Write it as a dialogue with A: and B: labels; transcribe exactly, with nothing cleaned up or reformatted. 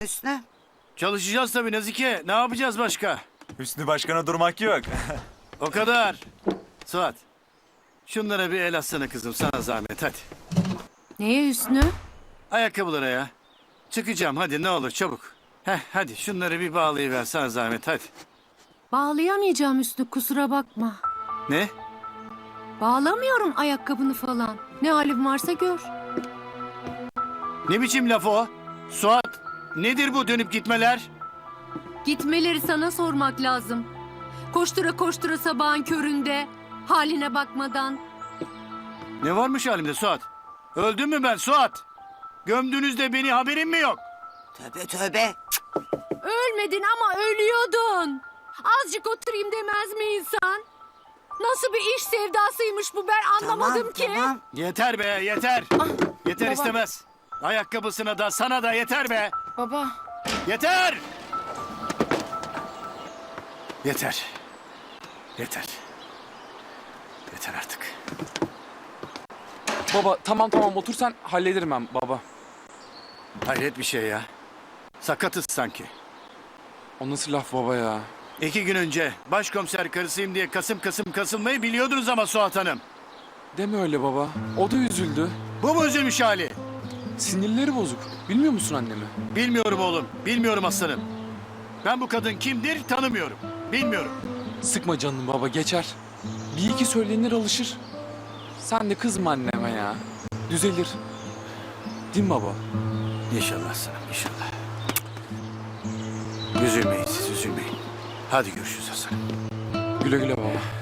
A: Hüsnü.
B: Çalışacağız tabii Nazike. Ne yapacağız başka?
C: Hüsnü Başkan'a durmak yok.
B: O kadar. Suat. Şunlara bir el atsana kızım, sana zahmet, hadi.
D: Neye Hüsnü?
B: Ayakkabılara ya. Çıkacağım, hadi ne olur çabuk. Heh, hadi şunları bir bağlayıver, sana zahmet, hadi.
D: Bağlayamayacağım Hüsnü, kusura bakma.
B: Ne?
D: Bağlamıyorum ayakkabını falan. Ne halim varsa gör.
B: Ne biçim laf o? Suat, nedir bu dönüp gitmeler?
D: Gitmeleri sana sormak lazım. Koştura koştura sabahın köründe, haline bakmadan.
B: Ne varmış halimde Suat? Öldüm mü ben Suat? Gömdüğünüzde beni haberim mi yok?
A: Tövbe tövbe.
D: Ölmedin ama ölüyordun. Azıcık oturayım demez mi insan? Nasıl bir iş sevdasıymış bu, ben anlamadım
A: Tamam,
D: ki.
A: tamam.
B: Yeter be, yeter. Yeter
D: baba.
B: istemez. Ayakkabısına da sana da yeter be.
D: Baba.
B: Yeter! Yeter. Yeter. Yeter artık.
E: Baba tamam tamam otur sen, hallederim ben baba.
B: Hayret bir şey ya. Sakatız sanki.
E: O nasıl laf baba ya?
B: İki gün önce başkomiser karısıyım diye kasım kasım kasılmayı biliyordunuz ama Suat Hanım.
E: Deme öyle baba. O da üzüldü.
B: Bu mu üzülmüş hali?
E: Sinirleri bozuk. Bilmiyor musun annemi?
B: Bilmiyorum oğlum. Bilmiyorum aslanım. Ben bu kadın kimdir tanımıyorum. Bilmiyorum.
E: Sıkma canını baba, geçer. Bir iki söylenir, alışır. Sen de kızma anneme ya. Düzelir. Değil mi baba?
B: İnşallah aslanım, inşallah. Üzülmeyin siz, üzülmeyin. Hadi görüşürüz aslanım.
E: Güle güle baba.